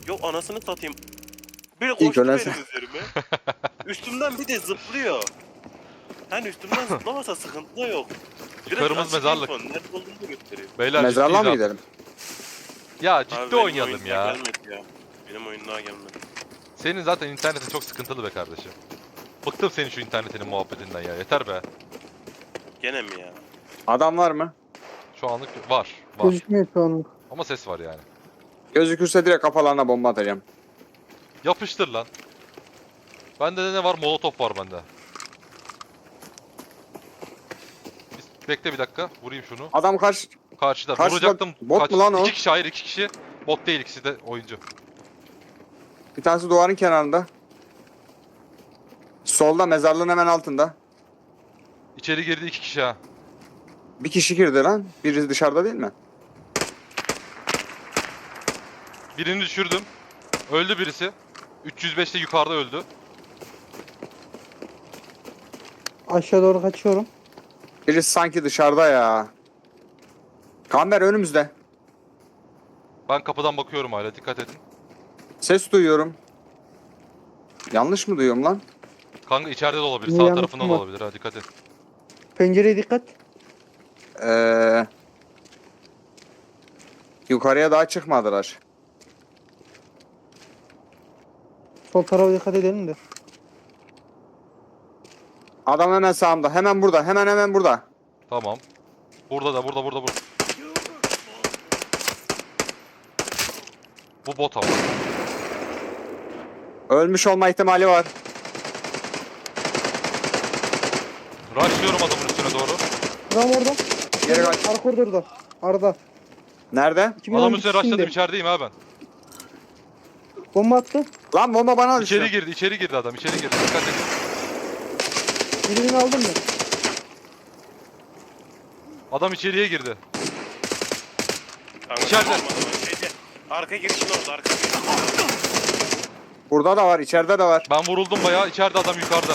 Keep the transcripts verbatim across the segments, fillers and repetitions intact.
Yok anasını satayım. Biri İlk koştu ölen benim üzerime. Üstümden bir de zıplıyor. Hani üstümden zıplamasa sıkıntı da yok. Biraz Yukarımız açık mezarlık. info, nerede olduğunu gösteriyor. Beyler Mezarlığa ciddiyiz mı abi. gidelim? Ya ciddi Abi benim oynayalım oyun ya. daha gelmedi ya. Benim oyun daha gelmedi. Senin zaten internetin çok sıkıntılı be kardeşim. Bıktım senin şu internetinin muhabbetinden ya. Yeter be. Gene mi ya? Adam var mı? Şu anlık var. Var. Gözükmüyor şu anlık. Ama ses var yani. Gözükürse direkt kafalarına bomba atacağım. Yapıştır lan. Bende de ne var? Molotof var bende. Biz- Bekle bir dakika. Vurayım şunu. Adam kaç... Karşıda. Karşıda Vuracaktım. bot mu lan o? İki kişi, hayır iki kişi. Bot değil, ikisi de oyuncu. Bir tanesi duvarın kenarında. Solda mezarlığın hemen altında. İçeri girdi iki kişi ha. Bir kişi girdi lan. Biri dışarıda değil mi? Birini düşürdüm. Öldü birisi. üç yüz beşte yukarıda öldü. Aşağı doğru kaçıyorum. Birisi sanki dışarıda ya. Kamber önümüzde. Ben kapıdan bakıyorum hala, dikkat edin. Ses duyuyorum. Yanlış mı duyuyorum lan? Kanka içeride de olabilir, Niye sağ yanlış tarafında mı da var? olabilir ha, dikkat et. Pencereye dikkat. Ee, yukarıya daha çıkmadılar. Sol tarafa dikkat edelim de. Adam hemen sağımda. Hemen burada. Hemen hemen burada. Tamam. Burada da, burada, burada, burada. Bu bot ama. Ölmüş olma ihtimali var. Rushlıyorum adamın üstüne doğru. Adam orada. Geri kaç. Arka koridorda. Arada. Nerede? Adamın üstüne rushladım, şimdi. içerideyim ha ben. Bomba attı. Lan bomba bana düştü. İçeri girdi, içeri girdi adam, içeri girdi. Dikkat edin. Birini aldım mı? Adam içeriye girdi. Kanka, İçeride. olmadı lan, şeyde. Arka girişin orada, arka girişin orada. Burada da var. İçeride de var. Ben vuruldum bayağı, içeride adam yukarıda.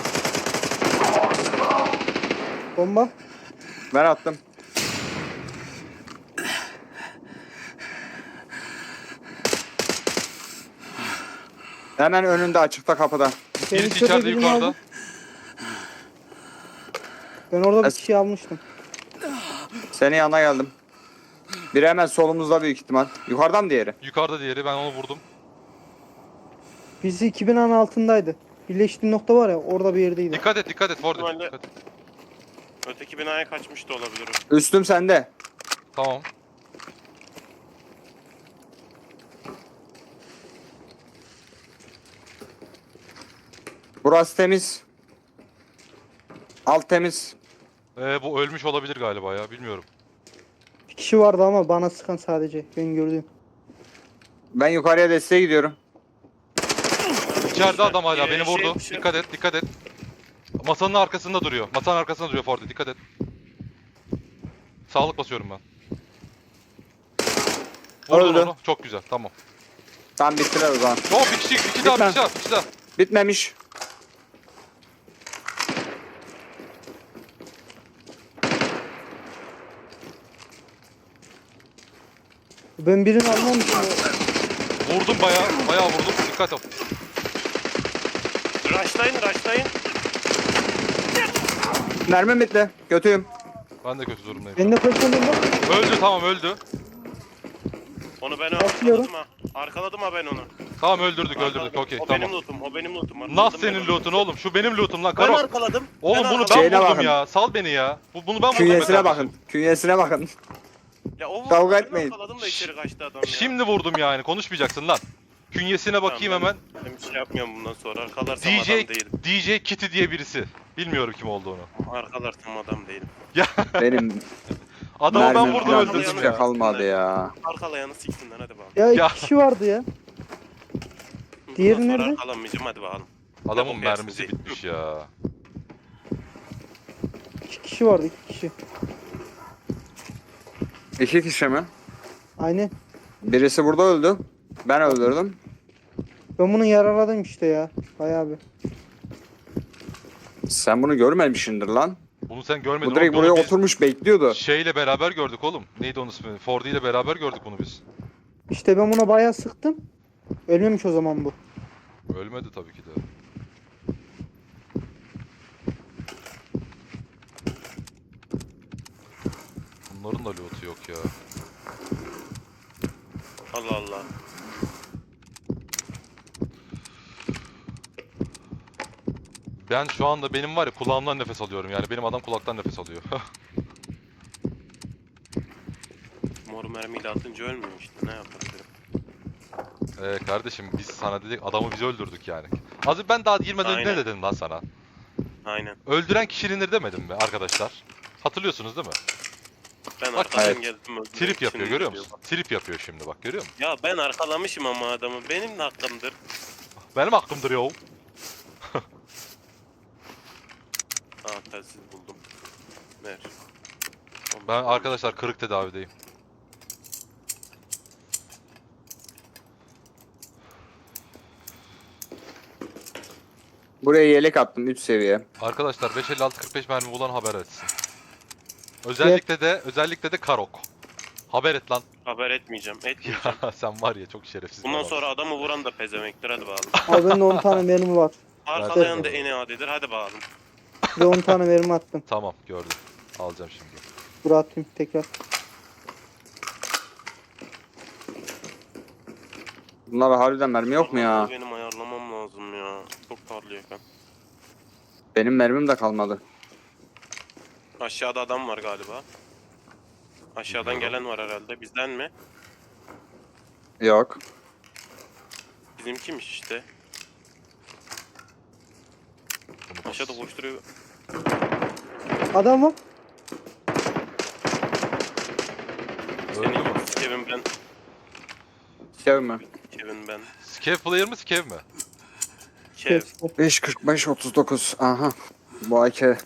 Bomba. Ben attım. Hemen önünde açıkta kapıda. Ben Birisi içeride içeride birini yukarıda. aldım. Ben orada bir Es- kişi almıştım. Senin yanına geldim. Biri hemen solumuzda büyük ihtimal. Yukarıdan diğeri. Yukarıda diğeri, ben onu vurdum. Birisi iki binanın altındaydı. Birleştiği nokta var ya, orada bir yerdeydi. Dikkat et, dikkat et Ford. Normalde- Dikkat et. Öteki binaya kaçmış da olabilir o. Üstüm sende. Tamam. Burası temiz. Alt temiz. Ee, bu ölmüş olabilir galiba ya, bilmiyorum. Bir kişi vardı ama bana sıkan sadece. Ben gördüm. Ben yukarıya desteğe gidiyorum. İçeride adam hala Ee, beni şey vurdu. yapmışım. Dikkat et, dikkat et. Masanın arkasında duruyor. Masanın arkasında duruyor Ford. Dikkat et. Sağlık basıyorum ben. Vurdun Öldü. onu. Çok güzel. Tamam. Tam bittiler o zaman. Yo bir kişi, iki daha, bir Lütfen. kişi daha, bir kişi daha. Bitmemiş. Ben birini almamışım. Vurdum bayağı, bayağı vurdum. Dikkat et. Rushlayın, rushlayın. Mermim bitti. Kötüyüm. Ben de kötü durumdayım. Ben de koşuyorum bak. Öldü, tamam öldü. Onu ben Bakıyorum. arkaladım ha. Arkaladım ha ben onu. Tamam öldürdük, Arkaladım. öldürdük. Okey, O benim tamam. lootum, o benim lootum. Nasıl Arkaladım ben senin onu. lootun oğlum? Şu benim lootum lan. Ben Karo. arkaladım. Oğlum ben bunu arkaladım. ben Şeyine vurdum bakın. ya. Sal beni ya. Bu, bunu ben vurdum. Künyesine be bakın. kardeşim. Künyesine bakın. Ya o vurdu, Kavga ben etmeyin. arkaladım da içeri kaçtı adam ya. Şimdi vurdum yani. Konuşmayacaksın lan. Künyesine bakayım Tamam, hemen. Ben, ben bir şey yapmıyorum bundan sonra. Arkalarsam D J adam değilim. D J Kitty diye birisi. Bilmiyorum kim olduğunu. Arkalarsam adam değilim. Benim Adamı ben mermim vurdum falan öldürdüm hiçbir ya. şey kalmadı ya. Arkalayanı siksinler hadi bakalım. Ya iki Ya. kişi vardı ya. Diğeri Bundan sonra nerede? Arkalanmayacağım hadi bakalım. Adamın Yapın mermisi yersiz bitmiş ya. İki kişi vardı, iki kişi. İki kişi mi? Aynen. Birisi burada öldü. Ben öldürdüm. Ben bunu yaraladım işte ya. Bayağı bir. Sen bunu görmemişsindir lan. Bunu sen görmedin. Bu direkt oğlum. buraya Bunu biz oturmuş bekliyordu. Şeyle beraber gördük oğlum. Neydi onun ismi? Fordi ile beraber gördük bunu biz. İşte ben buna bayağı sıktım. Ölmemiş o zaman bu. Ölmedi tabii ki de. Bunların da loot'u yok ya. Allah Allah. Ben şu anda benim var ya kulağımdan nefes alıyorum yani benim adam kulaktan nefes alıyor. Mor mermiyle atınca ölmüyor işte, ne yapabilirim. Ee kardeşim biz sana dedik adamı biz öldürdük yani. Az önce ben daha girmeden ne Aynen. dedim lan sana? Aynen. Öldüren kişilinir demedim mi arkadaşlar? Hatırlıyorsunuz değil mi? Ben Bak, arkadan evet. geldim. öldüm. Trip yapıyor Şimdi görüyor diyor musun? Trip yapıyor şimdi bak görüyor musun? bak. Ya ben arkalamışım ama adamı. Benim de hakkımdır. Benim hakkımdır yo. Aa, telsiz buldum. Ver. Ben arkadaşlar kırık tedavideyim. Buraya yelek attım üç seviye. Arkadaşlar beş elli altı kırk beş mermi bulan haber etsin. Özellikle de özellikle de Karok. Haber et lan. Haber etmeyeceğim. Etmeyeceğim. Ya sen var ya çok şerefsiz. bir Bundan adamsın. sonra adamı vuran da pezemektir. Hadi bakalım. Abi bende on tane mermi var. Arkalayan da en adidir. Hadi bakalım. Bir de on tane mermi attım. Tamam gördüm. Alacağım şimdi. Buraya atayım tekrar. Bunlara harbiden mermi yok mu ya? Vallahi benim ayarlamam lazım ya. Çok parlıyor kan. Benim mermim de kalmadı. Aşağıda adam var galiba. Aşağıdan Bilmiyorum. gelen var herhalde. Bizden mi? Yok. Bizimkiymiş işte. Bunu bas. Aşağıda koşturuyor. Adam var. Öldü mü? Kevin ben. Sev mi? Kevin ben. Skev player mı Skev mi? Kev. beş kırk beş otuz dokuz. Aha. Bu A K.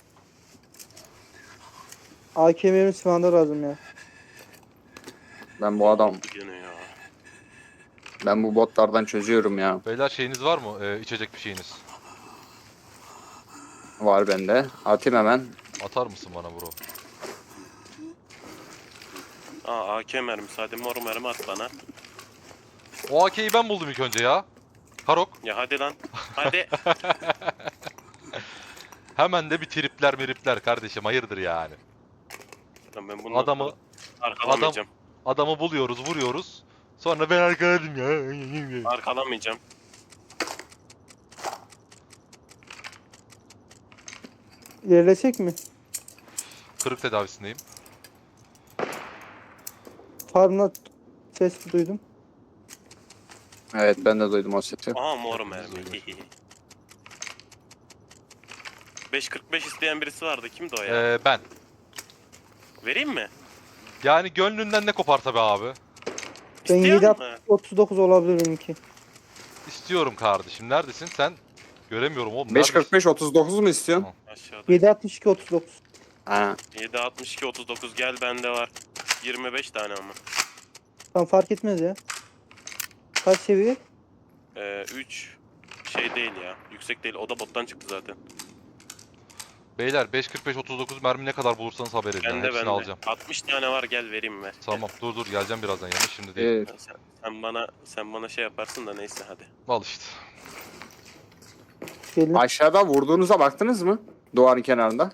A K mermisi bana lazım ya. Ben bu adam. Gene ya. Ben bu botlardan çözüyorum ya. Beyler şeyiniz var mı? Ee, içecek bir şeyiniz. Var bende. Atayım hemen. Atar mısın bana bro? Aa, A K mermisi. Hadi mor mermi at bana. O A K'yi ben buldum ilk önce ya. Karok. Ya hadi lan. Hadi. Hemen de bir tripler miripler kardeşim hayırdır yani. Lan ben bunu Adamı arkalamayacağım. adamı buluyoruz vuruyoruz. Sonra ben arkaladım ya. Arkalamayacağım. İlerlesek mi? Kırık tedavisindeyim. Farmla ses duydum. Evet ben de duydum o sesi. Aha mor Hepimiz mermi. duymuşuz. beş kırk beş isteyen birisi vardı. Kimdi o ya? Ee, ben. Vereyim mi? Yani gönlünden ne koparsa be abi. Ben İsteyen yedi mi? otuz dokuz olabilir benimki. İstiyorum kardeşim. Neredesin sen? Göremiyorum oğlum. beş kırk beş otuz dokuz mu istiyorsun? Aşağıda. yedi altmış iki otuz dokuz. Ha. yedi altmış iki otuz dokuz gel bende var. yirmi beş tane ama. Tam fark etmez ya. Kaç seviye? Ee, üç şey değil ya. Yüksek değil. O da bottan çıktı zaten. Beyler beş kırk beş otuz dokuz mermi ne kadar bulursanız haber edin. Bende Hepsini bende. alacağım. altmış tane var, gel vereyim ver. Tamam dur dur geleceğim birazdan yanına şimdi değil. Ee, Sen, sen bana sen bana şey yaparsın da neyse hadi. Al işte. Gelin. aşağıda vurduğunuza baktınız mı? Duvarın kenarında.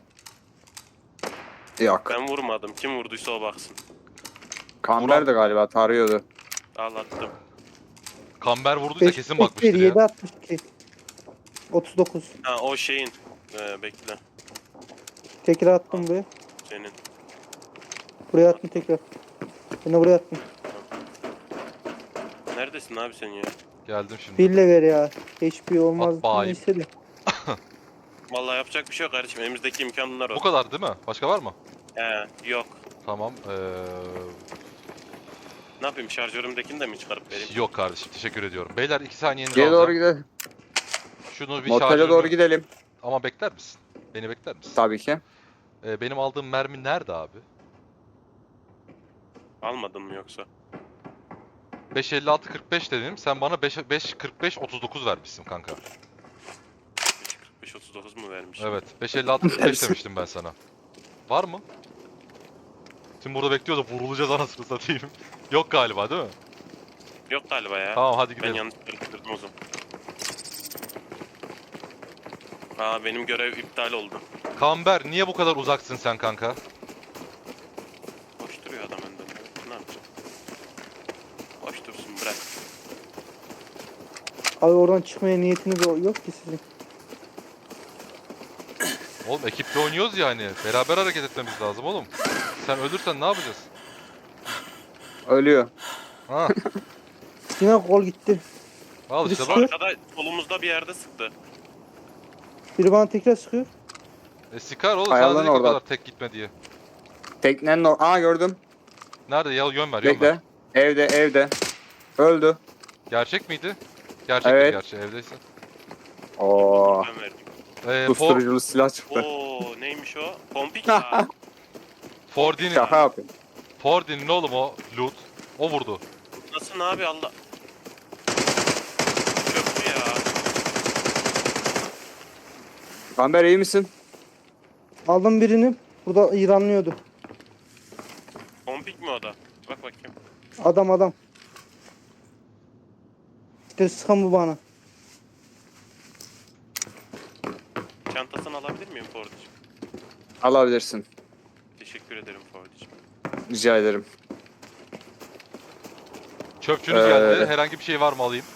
Yok. Ben vurmadım. Kim vurduysa o baksın. Kamber de galiba tarıyordu. Al attım. Kamber vurduysa beş kesin beş bakmıştır yedi ya. altmış iki. otuz dokuz. Ha o şeyin. Ee, bekle. Tekrar attım buraya. Senin. Buraya attım tekrar. Ben de buraya attım. Neredesin abi sen ya? Geldim şimdi. Bille ver ya. H P olmaz. At bayım. Neyse de. Vallahi yapacak bir şey yok kardeşim. Elimizdeki imkanlar o. Bu kadar değil mi? Başka var mı? He, yok. Tamam. Ee... Ne yapayım, şarjörümdekini de mi çıkarıp vereyim? Yok kardeşim teşekkür ediyorum. Beyler iki saniyenizi Geri doğru alacağım. gidelim. Şunu bir Motele şarjörümü... doğru gidelim. Ama bekler misin? Beni bekler misin? Tabii ki. Ee, benim aldığım mermi nerede abi? Almadın mı yoksa? beş elli altı kırk beş dedim. Sen bana beş kırk beş otuz dokuz vermişsin kanka. beş kırk beş otuz dokuz mu vermiş? Evet. beş elli altı kırk beş demiştim ben sana. Var mı? Şimdi burada bekliyoruz da vurulacağız anasını satayım. Yok galiba değil mi? Yok galiba ya. Tamam hadi Ben gidelim. yanlış karıştırdım o zaman. Aa benim görev iptal oldu. Kamber niye bu kadar uzaksın sen kanka? Boş duruyor adam önden. Ne yapacağım? Boş dursun bırak. Abi oradan çıkmaya niyetiniz o- yok ki sizin. Oğlum ekipte oynuyoruz ya hani. Beraber hareket etmemiz lazım oğlum. Sen ölürsen ne yapacağız? Ölüyor. Ha, Yine kol gitti. al Bir işte de bak. sıkıyor. Arkada solumuzda bir yerde sıktı. Biri bana tekrar sıkıyor. E sikar oğlum Ayarlan sana dedik o orada. kadar tek gitme diye. Teknenin or... Aa gördüm. Nerede ya yön ver yön ver. Bekle. Evde evde. Öldü. Gerçek miydi? Gerçektir Evet. gerçi evdeyse. Oo. Ben verdim. Ee, for, Susturuculu silah çıktı. Oo neymiş o? Pompik ya. Fordin'in Şaka yapıyorum. Fordin'in oğlum o loot. O vurdu. Nasıl abi Allah. Köprü ya. Kamber iyi misin? Aldım birini. Burada İranlıyordu. Pompik mi o da? Bak bakayım. Adam adam. İşte sıkan bu bana. Çantasını alabilir miyim Fordicim? Alabilirsin. Teşekkür ederim Fordicim. Rica ederim. Çöpçünüz Ee, geldi. Herhangi bir şey var mı alayım?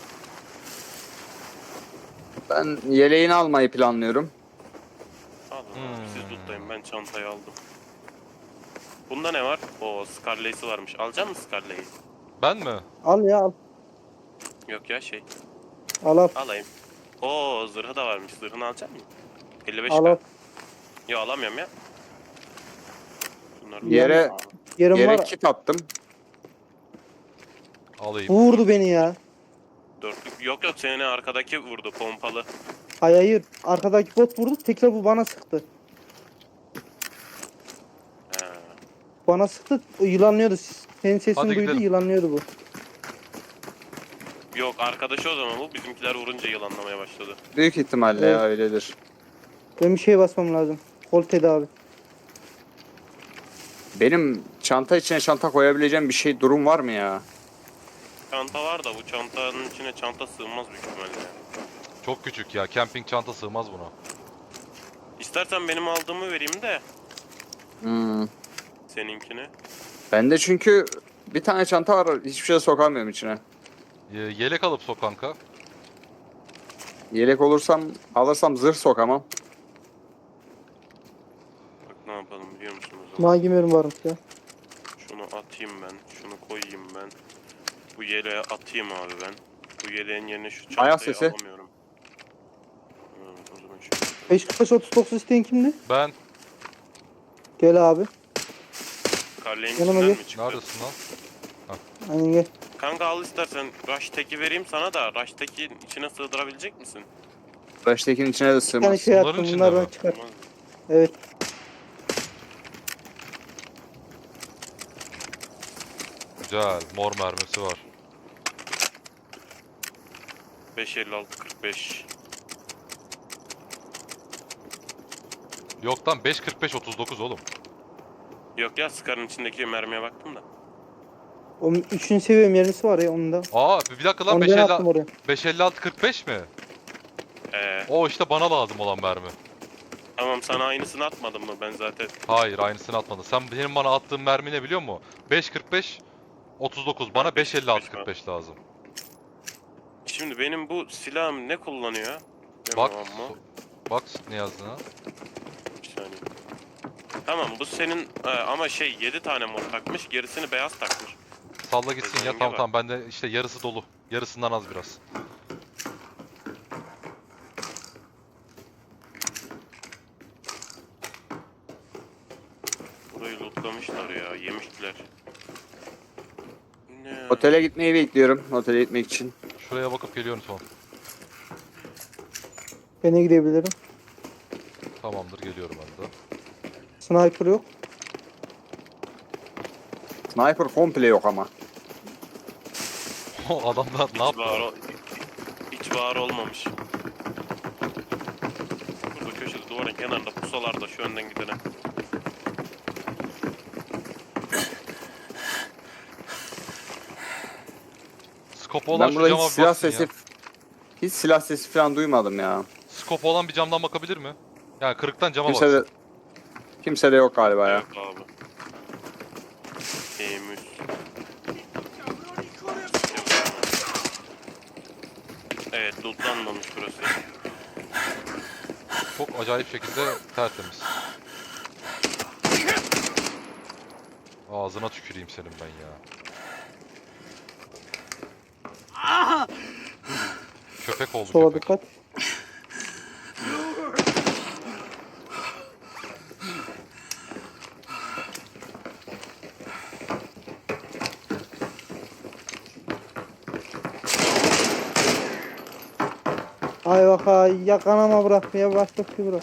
Ben yeleğini almayı planlıyorum. Alın Hmm. abi siz lootlayın ben çantayı aldım. Bunda ne var? Oo Scarlet'si varmış. Alacak mısın Scarlet'i? Ben mi? Al ya al. Yok ya şey. Al al. Alayım. Oo zırhı da varmış. Zırhını alacak mısın? elli beş Al al. k. Yok alamıyorum ya. Bunları Yere- Aa, Yerim Yere var. kit attım. Alayım. Bu vurdu beni ya. dörtlük. Yok yok seni arkadaki vurdu pompalı. Hayır hayır. Arkadaki bot vurdu. Tekrar bu bana sıktı. He. Bana sıktı. O yılanlıyordu. Senin sesini Hadi duydu. gidelim. Yılanlıyordu bu. Yok arkadaşı o zaman bu. Bizimkiler vurunca yılanlamaya başladı. Büyük ihtimalle Evet. ya öyledir. Ben bir şey basmam lazım. Kol tedavi. Benim çanta içine çanta koyabileceğim bir şey durum var mı ya? Çanta var da bu çantanın içine çanta sığmaz büyük ihtimalle. Çok küçük ya. Camping çanta sığmaz buna. İstersen benim aldığımı vereyim de Hmm. seninkini. Bende çünkü bir tane çanta var, hiçbir şey sokamıyorum içine. Ye- yelek alıp sok kanka. Yelek olursam, alırsam zırh sokamam. Bak ne yapalım biliyor musun o zaman? Magimerim varmış ya. Şunu atayım ben. Şunu koyayım ben. Bu yeleğe atayım abi ben. Bu yeleğin yerine şu çantayı Ayak sesi. alamıyorum. Evet, o zaman şu. beş kırk beş otuz dokuz isteyen kimdi? Ben Gel abi. Karleyin Yanıma içinden gel. mi çıktı? neredesin lan? Aynen gel. Kanka al istersen Rush Tech'i vereyim sana da Rush Tech'in içine sığdırabilecek misin? Baştakinin içine de Bir tane sığmaz. şey Bunların attım. içinde Bunlardan mi? çıkar. Olmaz mı? Evet. Güzel. Mor mermisi var. beş elli altı kırk beş. Yok lan beş kırk beş otuz dokuz oğlum. Yok ya Scar'ın içindeki mermiye baktım da. O üçüncü seviye mermisi var ya onun da. Aa bir dakika lan Onu beş ben elli attım oraya. beş elli altı kırk beş mi? Ee, O işte bana lazım olan mermi. tamam sana aynısını atmadım mı ben zaten. Hayır aynısını atmadın. Sen benim bana attığın mermi ne biliyor musun? beş kırk beş otuz dokuz. Bana beş elli altı kırk beş lazım. Şimdi benim bu silahım ne kullanıyor? Bak. Bilmiyorum ama. Bak ne yazdığına. Bir saniye. Tamam bu senin e, ama şey yedi tane mor takmış gerisini beyaz takmış. Salla gitsin ya. Özelliğe Tamam bak. tamam bende işte yarısı dolu. Yarısından az biraz. Burayı lootlamışlar ya yemiştiler. Ne? Otele gitmeyi bekliyorum. Otele gitmek için. Şuraya bakıp geliyorum son. Ben de gidebilirim. Tamamdır geliyorum ben de. Sniper yok. Sniper komple yok ama. O adamlar ne Hiç var, yaptı? ol- hiç var olmamış. Burada köşede duvarın kenarında pusalarda şu önden gidene. Skopu olan Ben şu burada cama hiç bir silah baksın sesi ya. hiç silah sesi falan duymadım ya. Skopu olan bir camdan bakabilir mi? Yani kırıktan cama Kimse baksın. de kimse de yok galiba ya. Yok abi. Temiz. Evet, lootlanmamış burası. Çok acayip şekilde tertemiz. Ağzına tüküreyim senin ben ya. Köpek oldu Sola köpek. dikkat. Ay bak ay ya kanama bırak ya başka bir şey bırak.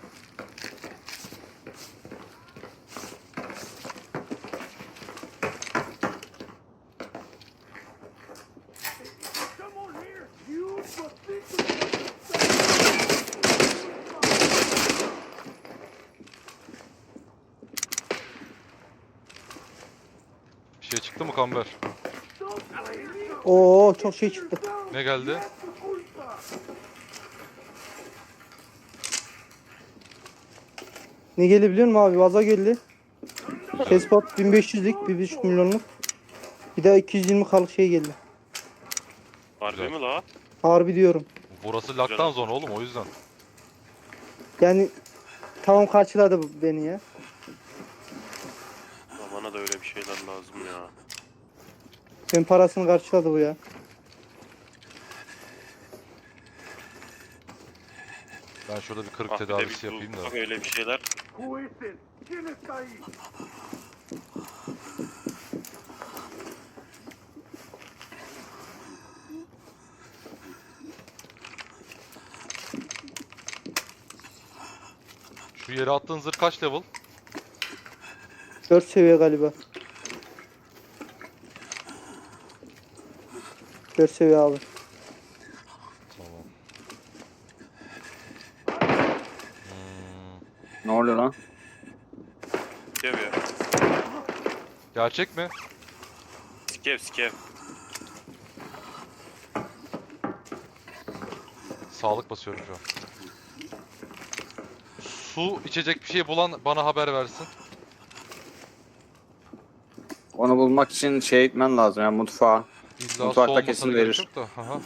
Bir şey çıktı mı Kamber? Oo çok şey çıktı. Ne geldi? Ne geldi biliyor musun abi? Vaza geldi. Tespot bin beş yüzlük, bir buçuk milyonluk. Bir de iki yüz yirmi kalık şey geldi. Harbi Güzel. mi la? Harbi diyorum. Burası lockdown zone oğlum o yüzden. Yani tamam karşıladı bu beni ya. Ya bana da öyle bir şeyler lazım ya. Ben parasını karşıladı bu ya. Ben şurada bir kırık Ah bir de tedavisi bir yapayım da. bak öyle bir şeyler. Şu yere attığın zırh kaç level? dört seviye galiba. dört seviye abi. Tamam. Hmm. Ne oluyor lan? Skev ya. Gerçek mi? Skev skev. Sağlık basıyorum şu an. Su içecek bir şey bulan bana haber versin. Onu bulmak için şey gitmen lazım ya, mutfağa. İlla su Mutfakta olmasına kesin gerek verir. yok da. Aha.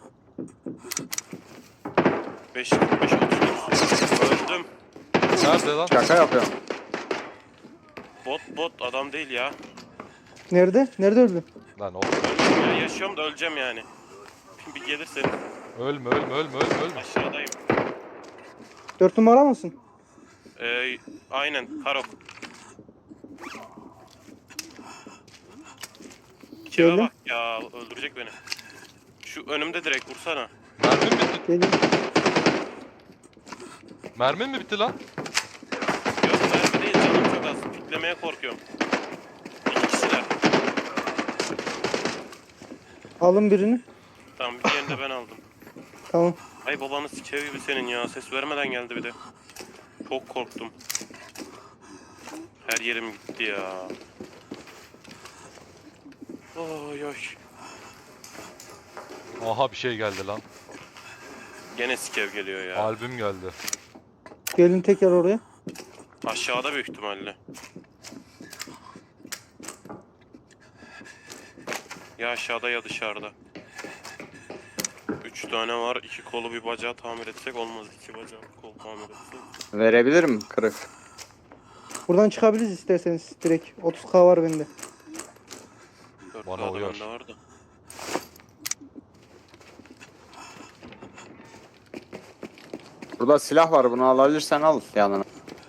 beş beş otuz. Öldüm. Nerede lan? Şaka yapıyorum. Bot bot adam değil ya. Nerede? Nerede öldü? Lan oğlum. Öldüm ya, yaşıyorum da öleceğim yani. Bir gelirsen Ölme ölme ölme ölme ölme. aşağıdayım. dört numara mısın? Ee, aynen Karok. Kime Geldim. bak ya, öldürecek beni. Şu önümde direkt vursana. Mermin mi bitti? Geldim. Mermin mi bitti lan? Yok mermi değil, canım çok az. Piklemeye korkuyorum. İki kişiler. Alın birini. Tamam, bir diğerini de ben aldım. Tamam. Ay babanı sikev gibi senin ya. Ses vermeden geldi bir de. Çok korktum. Her yerim gitti ya. Oy oy. Aha bir şey geldi lan. Gene sikev geliyor ya. Albüm geldi. Gelin tekrar oraya. Aşağıda büyük ihtimalle. Ya aşağıda ya dışarıda. Üç tane var. İki kolu bir bacağı tamir etsek olmaz. İki bacağı bir kol tamir etsek. Verebilirim kırık. Buradan çıkabiliriz isterseniz direkt. otuz K var bende. Dört Bana kağıdı uyar. bende vardı. Burada silah var, bunu alabilirsen al yanına.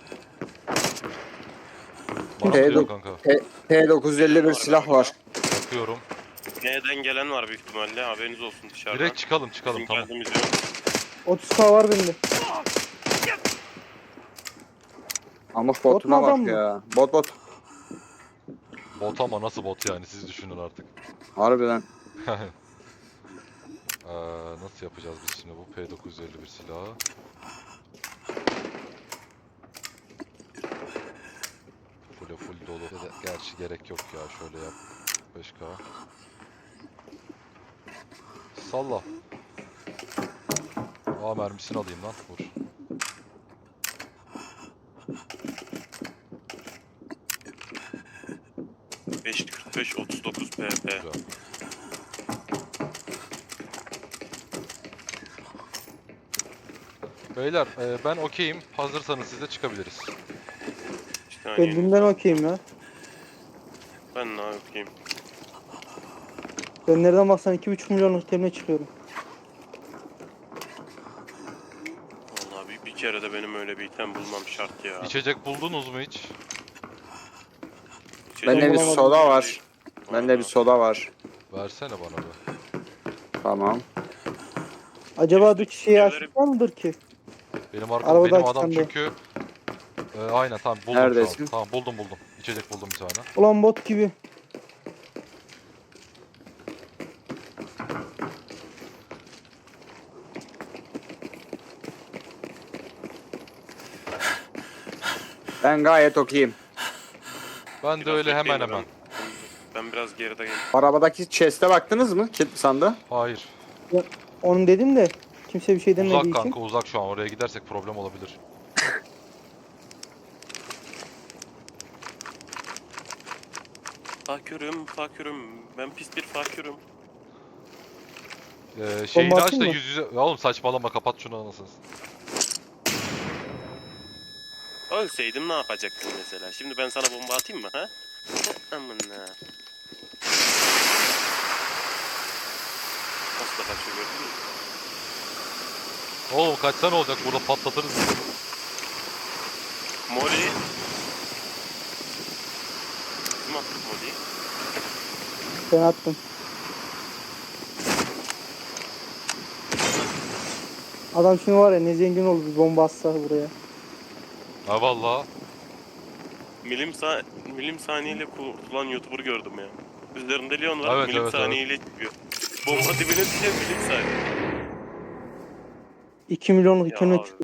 Bana P mı diyorsun dok- kanka? P- P dokuz yüz elli bir silah var. Bakıyorum. N'den gelen var büyük ihtimalle. Haberiniz olsun dışarıdan. Direkt çıkalım çıkalım Bizim tamam. geldiğimiz yok. otuz K var bende. Amık Bot botuna mu, adam bak mı? ya. Bot bot. Bot ama nasıl bot yani siz düşünün artık. Harbiden. Ee, nasıl yapacağız biz şimdi bu P dokuz yüz elli bir silahı? Full full dolu. Ya da gerçi gerek yok ya şöyle yap. beş K. Salla. Aa mermisini alayım lan. Vur. beş kırk beş otuz dokuz P P. Güzel. Beyler e, ben okeyim. Hazırsanız siz de çıkabiliriz. İşte Ben hani dünden okeyim ya. ben ne yapayım? Ben nereden baksan iki buçuk milyonluk temine çıkıyorum. Vallahi bir, bir kere de benim öyle bir item bulmam şart ya. İçecek buldunuz mu hiç? İçecek Bende bir bulamadım. soda var. Bende bir soda var. Versene bana be. Tamam. Acaba Üstteki düş şeyi şeyleri- açık var mıdır ki? Benim arkam Arabada benim adam açıklandı. çünkü e, aynen tamam buldum şu Neredesin? an. Tamam buldum buldum. İçecek buldum bir tane. Ulan bot gibi. Ben gayet okeyim. Ben de Biraz öyle hemen bekleyin de hemen. Ben, ben biraz geride geldim. Arabadaki chest'e baktınız mı? Kilitli sandığa. Hayır. Onu dedim de kimse bir şey demediği Uzak için. kanka uzak şu an. Oraya gidersek problem olabilir. Fakürüm, fakürüm. Ben pis bir fakürüm. Ee, şeyini Bomba aç atayım da mı? yüz yüze... Ya oğlum saçmalama kapat şunu anasını. Ölseydim ne yapacaktın mesela? Şimdi ben sana bomba atayım mı ha? Amına. Nasıl da kaçıyor gördün mü? Oğlum kaçsa ne olacak? Burada patlatırız. Mori. Kim attı Mori'yi? Ben attım. Adam şimdi var ya ne zengin olur bir bomba atsa buraya. Ha valla. Milim, sa milim saniyeyle kurtulan YouTuber gördüm ya. Üzerinde Leon var, Evet, milim evet, saniyeyle çıkıyor. Bomba dibine düşüyor, milim saniye. iki milyonluk Ya temine abi. çıkıyor.